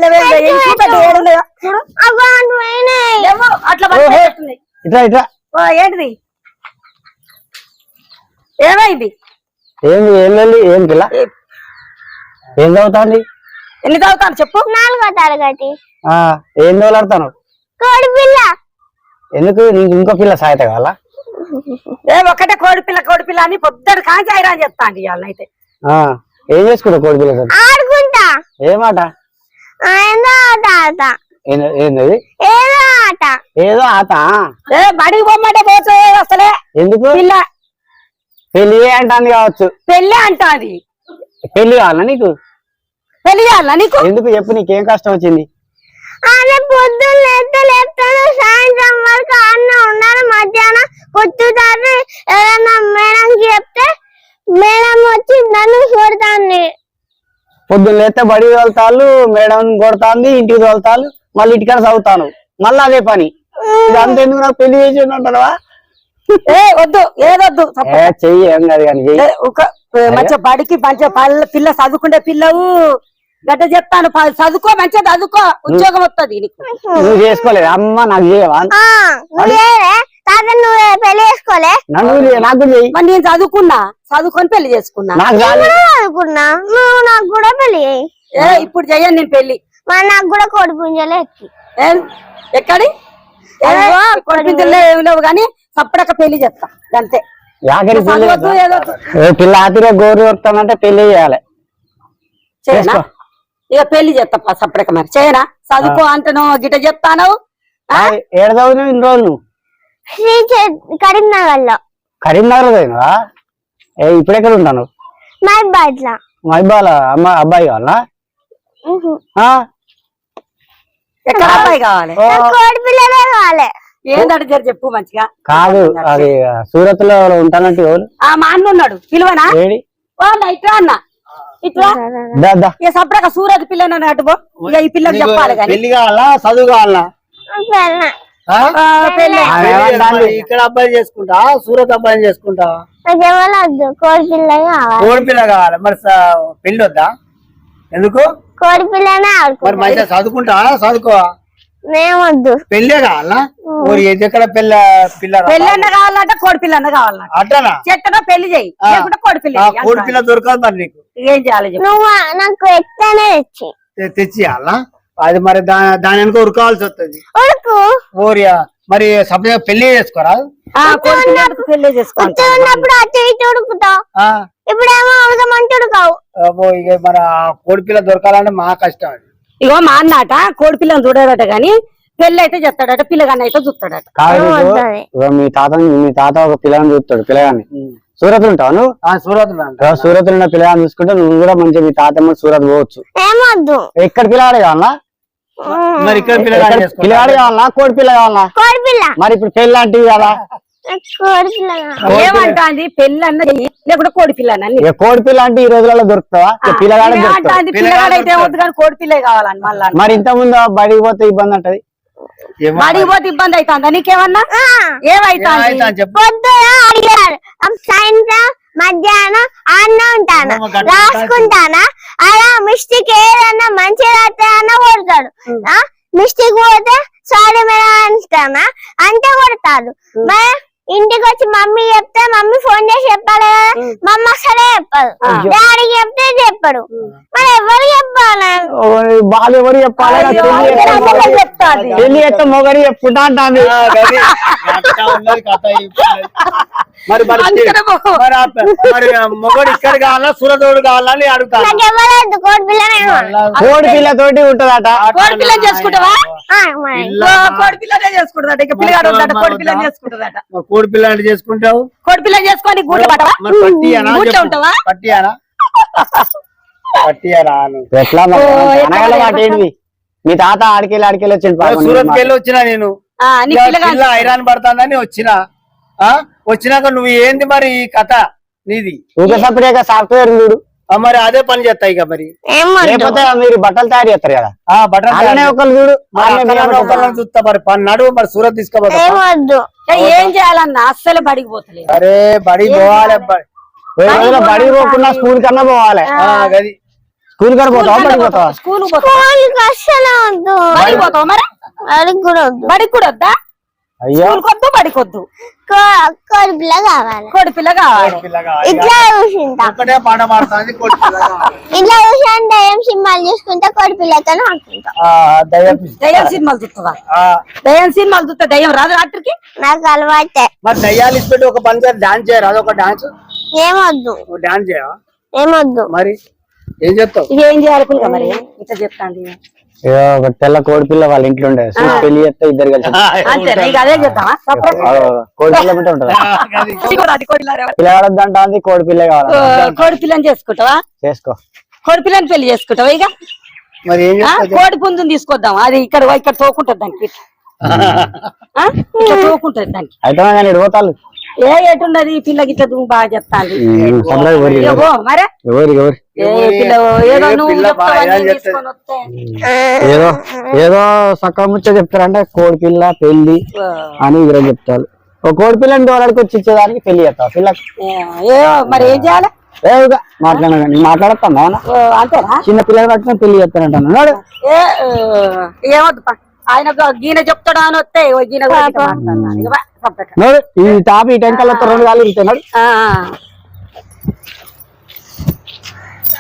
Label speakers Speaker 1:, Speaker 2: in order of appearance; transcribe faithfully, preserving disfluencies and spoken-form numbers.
Speaker 1: ఇట్లా ఇట్లా
Speaker 2: ఏంటిది ఏమైంది
Speaker 1: ఏం ఏం ఏం పిల్ల ఏం చదువుతాంది
Speaker 2: ఎన్ని చదువుతాను చెప్పు
Speaker 3: నాలుగో తరగతి
Speaker 1: ఏం చదువులాడతాను
Speaker 3: కోడి పిల్ల
Speaker 1: ఎందుకు నీకు ఇంకో పిల్ల సాయత కావాలా
Speaker 2: ఏ ఒక్కటే కోడి పిల్ల కోడి పిల్ల అని పొద్దుడు కాంచి ఐరా అని చెప్తా అండి ఇవాళ అయితే
Speaker 1: ఏం చేసుకుంటావు కోడి పిల్ల
Speaker 3: ఆడుకుంటా
Speaker 1: ఏమాట
Speaker 3: ఏదో ఆట
Speaker 1: ఏంది
Speaker 3: ఏదో ఆట
Speaker 1: ఏదో ఆట
Speaker 2: ఏ బడికి పొమ్మంటే పోతే అసలే
Speaker 1: ఎందుకు
Speaker 2: పిల్ల
Speaker 1: పెళ్లి అంటాంది కావచ్చు
Speaker 2: పెళ్లి అంటాది
Speaker 1: పెళ్లి కావాలా నీకు
Speaker 2: పెళ్లి చేయాలా నీకు
Speaker 1: ఎందుకు చెప్పు నీకేం కష్టం వచ్చింది
Speaker 3: అదే పొద్దున్న లేస్తే లేపుతాను సాయంత్రం వరకు అన్న ఉన్నారు మధ్యాహ్నం కొట్టుతారు ఏదన్నా మేడంకి చెప్తే మేడం వచ్చి నన్ను కొడతాను
Speaker 1: పొద్దున్న లేస్తే బడి తోలుతాళ్ళు మేడం కొడతాంది ఇంటికి తోలుతాళ్ళు మళ్ళీ ఇంటికాడ చదువుతాను మళ్ళీ అదే పని ఇదంతా ఎందుకు నాకు పెళ్లి చేసి ఉంటావా
Speaker 2: ఏ వద్దు ఏదొద్దు
Speaker 1: చెయ్యి ఏం కాదు కానీ
Speaker 2: మంచిగా బడికి మంచిగా పిల్ల చదువుకుంటే పిల్లవు గట్ట చెప్తాను చదువుకో మంచిగా చదువుకో ఉద్యోగం వస్తుంది
Speaker 1: నువ్వు చేసుకోలేదు అమ్మ నాకు చేయవా
Speaker 3: పెళ్లి చేసుకోలే
Speaker 1: నాకు
Speaker 2: మరి నేను చదువుకున్నా చదువుకొని పెళ్లి చేసుకున్నా
Speaker 3: చదువుకున్నా నువ్వు నాకు కూడా పెళ్లి
Speaker 2: ఏ ఇప్పుడు చెయ్యను నేను పెళ్లి
Speaker 3: మరి నాకు కూడా కోడి పుంజలే ఎక్కి
Speaker 2: ఎక్కడి కోడి పుంజలే ఏమి లేవు కానీ సప్పుడక్క పెళ్లి చేస్తా అంతే
Speaker 1: పిల్ల ఆతిగా గోరు వస్తానంటే పెళ్లి చేయాలి
Speaker 2: చేయనా ఇక పెళ్లి చేస్తా సప్పుడక్క మరి చేయనా చదువుకో అంటను గిట చెప్తాను
Speaker 1: ఏడు చదువు ఇన్ని రోజులు
Speaker 3: కరీంనగర్ లో
Speaker 1: కరీంనగర్ చదివినవా ఇప్పుడు ఎక్కడ ఉంటాను
Speaker 3: మైబాద్ లో
Speaker 1: మైబాల అమ్మ అబ్బాయి కావాలా
Speaker 2: ఎక్కడ అబ్బాయి కావాలి
Speaker 3: కోడి పిల్లలే కావాలి
Speaker 2: ఏంటంటే జర చెప్పు మంచిగా
Speaker 1: కాదు అది సూరత్ లో ఉంటానంటే
Speaker 2: మా అన్న ఉన్నాడు పిలువనా ఇట్లా అన్న ఇట్లా ఇక సపడక సూరత్ పిల్లని అటుపో ఇక ఈ పిల్లకి చెప్పాలి కానీ
Speaker 1: పెళ్లి కావాలా చదువు కావాలా ఇక్కడ అబ్బాయి చేసుకుంటా సూరత్ అబ్బాయి చేసుకుంటా
Speaker 3: కోడి పిల్ల
Speaker 1: కోడి పిల్ల కావాలి మరి పెళ్లి వద్దా ఎందుకు
Speaker 3: కోడి పిల్లనే
Speaker 1: మరి మంచిగా చదువుకుంటా చదువుకో
Speaker 3: మేమొద్దు
Speaker 1: పెళ్ళే కావాలా ఎక్కడ పిల్ల పిల్ల
Speaker 2: పెళ్ళన్న కావాలంటే కోడి పిల్లన్న కావాలంట
Speaker 1: అట్లా
Speaker 2: చెట్టన పెళ్లి చేయి లేకుంటే కోడి పిల్ల
Speaker 1: కోడి పిల్ల దొరకదు మరి నీకు
Speaker 2: ఏం చేయాలి
Speaker 3: నువ్వు నాకు ఎత్తనే తెచ్చి
Speaker 1: తెచ్చియాలా అది మరి దాని వెనుక ఉరకాల్సి వస్తుంది
Speaker 3: ఉడుకు
Speaker 1: ఓరియా మరి సపరేట్ పెళ్లి చేసుకోరా
Speaker 2: పెళ్లి చేసుకోవాలి
Speaker 3: ఉన్నప్పుడు అటు ఇటు ఉడుకుతావు ఇప్పుడేమో ఉడకమంటే ఉడకావు
Speaker 1: ఇక మరి కోడి పిల్ల దొరకాలంటే మా కష్టం అది
Speaker 2: ఇగో మా అన్నట కోడి పిల్లని చూడాడట గాని పెళ్లి అయితే చెప్తాడట పిల్లగాని అయితే చూస్తాడట
Speaker 1: మీ తాత మీ తాత ఒక పిల్లని చూస్తాడు పిల్లగాని సూరత్ ఉంటావు నువ్వు సూరత్ సూరత్ ఉన్న పిల్లగాని చూసుకుంటే నువ్వు కూడా మంచిగా మీ తాతమ్మ సూరత్ పోవచ్చు ఎక్కడ పిల్లగాడు కావాలా మరి ఇక్కడ పిల్లగాడు కావాలా కోడి పిల్ల కావాలా మరి ఇప్పుడు పెళ్లి లాంటివి కదా
Speaker 2: ఏమంటాంది పెళ్లి అన్నది లేకుంటే కోడి పిల్ల
Speaker 1: కోడి పిల్ల అంటే ఈ రోజులలో దొరుకుతావా పిల్లగాడు
Speaker 2: పిల్లగాడైతే వద్దు కానీ కోడి పిల్లే కావాలని మళ్ళీ
Speaker 1: మరి ఇంత ముందు బడికి పోతే ఇబ్బంది అంటది
Speaker 2: బడికి పోతే ఇబ్బంది అవుతుందా నీకేమన్నా ఏమైతుంది
Speaker 3: అడిగారు సాయంత్రం మధ్యాహ్నం అన్న ఉంటాను రాసుకుంటానా అలా మిస్టేక్ ఏదన్నా మంచిగా రాస్తానన్నా కొడతాడు మిస్టేక్ పోతే సారీ మేడం అంటానా అంటే కొడతాడు మరి ఇంటికి వచ్చి మమ్మీ చెప్తే మమ్మీ ఫోన్ చేసి చెప్పాలి కదా మమ్మీ అసలే చెప్పదు డాడీకి చెప్తే చెప్పడు మరి ఎవరు చెప్పాలి
Speaker 1: బాగా ఎవరు చెప్పాలి పెళ్లి చేస్తే మొగరి చెప్పుకుంటా అంటాను మరి మరి మొగడు ఇక్కడ కావాలా సూరతోడు కావాలని అడుగుతాను
Speaker 3: కోడి పిల్లనే
Speaker 1: కోడి పిల్ల తోటి ఉంటదట
Speaker 2: కోడి పిల్ల చేసుకుంటావా కోడి పిల్లనే చేసుకుంటుందట ఇక పిల్లగాడు ఉంటాడు కోడి పిల్ల చేసుకుంటుందట
Speaker 1: కోడి పిల్ల అంటే చేసుకుంటావు
Speaker 2: కోడి పిల్ల చేసుకొని గూట్లో పట్టవా గూట్లో ఉంటావా
Speaker 1: పట్టియానా పట్టియారా ఎట్లా అనగల మాట ఏంటి మీ తాత ఆడికెళ్ళి ఆడికెళ్ళి వచ్చింది సూరత్కి వెళ్ళి వచ్చినా నేను ఐరాన్ పడుతుందని వచ్చినా వచ్చినాక నువ్వు ఏంది మరి ఈ కథ నీది ఇంకా సపరేట్ సాఫ్ట్వేర్ చూడు మరి అదే పని చేస్తాయి ఇక మరి లేకపోతే మీరు బట్టలు తయారు చేస్తారు కదా బట్టలు ఒకళ్ళు చూడు ఒకళ్ళని చూస్తా మరి నడువు మరి సూరత్ తీసుకోపోతా
Speaker 2: ఏం చేయాలన్నా అస్సలు బడికి పోతలేదు
Speaker 1: అరే బడికి పోవాలి బడికి పోకుండా స్కూల్ కన్నా పోవాలి స్కూల్ కాడ పోతావా బడికి పోతావా?
Speaker 2: స్కూల్
Speaker 3: స్కూల్కి అస్సలు వద్దు,
Speaker 2: బడికి పోతావా మరి?
Speaker 3: బడికి కూడా వద్దు,
Speaker 2: బడికి కూడా వద్దా?
Speaker 1: అయ్యో
Speaker 2: స్కూల్ కొద్దు బడికి వద్దు,
Speaker 3: కో- కోడి పిల్ల కావాలి.
Speaker 2: కోడి పిల్ల కావాలి.
Speaker 3: ఇట్లా చూసింటా,
Speaker 1: ఒక్కటే పాట పాడుతుంది కోడి పిల్ల కావాలి.
Speaker 3: ఇట్లా చూసాను దయ్యం సినిమాలు చూసుకుంటా కోడి పిల్లతో ఆడుకుంటా.
Speaker 1: ఆ, దయ్యం.
Speaker 2: దయ్యం సినిమాలు చూస్తావా?
Speaker 1: ఆ,
Speaker 2: దయ్యం సినిమాలు చూస్తా దయ్యం రాదు రాత్రికి.
Speaker 3: నాకు అలవాటే.
Speaker 1: మరి దయ్యాలు ఇచ్చి పెట్టి ఒక పని చేసి డాన్స్ చేయరు, అదొక డాన్స్
Speaker 3: ఏమొద్దు,
Speaker 1: డాన్స్ చేయవా?
Speaker 3: ఏమొద్దు.
Speaker 1: మరి ఏం చెప్తావు?
Speaker 2: ఇక ఏం చేయాలి పిల్ల మరి? ఇట్లా చెప్తాను
Speaker 4: ఒక తెల్ల కోడి పిల్ల వాళ్ళ ఇంట్లో ఉండే చూసి పెళ్లి చేస్తే ఇద్దరు కలిసి
Speaker 2: అంతే. ఇక అదే చేద్దామా?
Speaker 4: కోడి పిల్ల బిడ్డ ఉంటది పిల్లగాడొద్దంట అంది కోడి పిల్ల కావాలి
Speaker 2: కోడి పిల్లని చేసుకుంటావా?
Speaker 4: చేసుకో
Speaker 2: కోడి పిల్లని పెళ్లి చేసుకుంటావా? ఇక
Speaker 1: మరి ఏం
Speaker 2: ఆ,
Speaker 1: చెప్తావు?
Speaker 2: కోడి పుంజుని తీసుకొద్దాం. అది ఇక్కడ ఇక్కడ తోకుంటది దానికి. ఆ, ఇక్కడ తోకుంటది దానికి.
Speaker 4: అయితే కానీ ఇడిపోతారు
Speaker 2: ఏ ఎటున్నది ఈ పిల్ల గిట్ల నువ్వు బాగా చెప్తాను.
Speaker 4: ఎవరు
Speaker 2: మరే
Speaker 4: ఎవరు ఎవరు
Speaker 2: ఏ పిల్ల ఏదో
Speaker 1: ఏ
Speaker 2: నువ్వు
Speaker 1: పిల్ల
Speaker 2: చెప్తావా,
Speaker 1: బాగా
Speaker 2: నేను
Speaker 1: చెప్తాది.
Speaker 2: తీసుకొని వస్తే.
Speaker 4: ఏదో ఏదో సక్క ముచ్చ చెప్తారంటే కోడి పిల్ల పెళ్లి అని ఇద్దరు చెప్తారు. ఒక కోడి పిల్లని డోలాడికి వచ్చి ఇచ్చేదానికి పెళ్లి చేస్తావు పిల్ల
Speaker 2: ఏ మరి ఏం చేయాలి?
Speaker 4: ఏగా మాట్లాడ మాట్లాడతాను
Speaker 2: ఓ, అంతేనా?
Speaker 4: చిన్న పిల్లలు పట్టుకొని పెళ్లి చేస్తానంటాను
Speaker 2: ఏ ఏమొద్దు పా. ఆయన గీన చెప్తాడు అని వస్తే ఓ గీన కూడా ఇట్లా మాట్లాడతాను. ఇక బా, సపరేట్.
Speaker 4: ఈ టాప్ ఈ టెంకల్ రెండు కాలు ఇరుతున్నాడు
Speaker 2: ఆ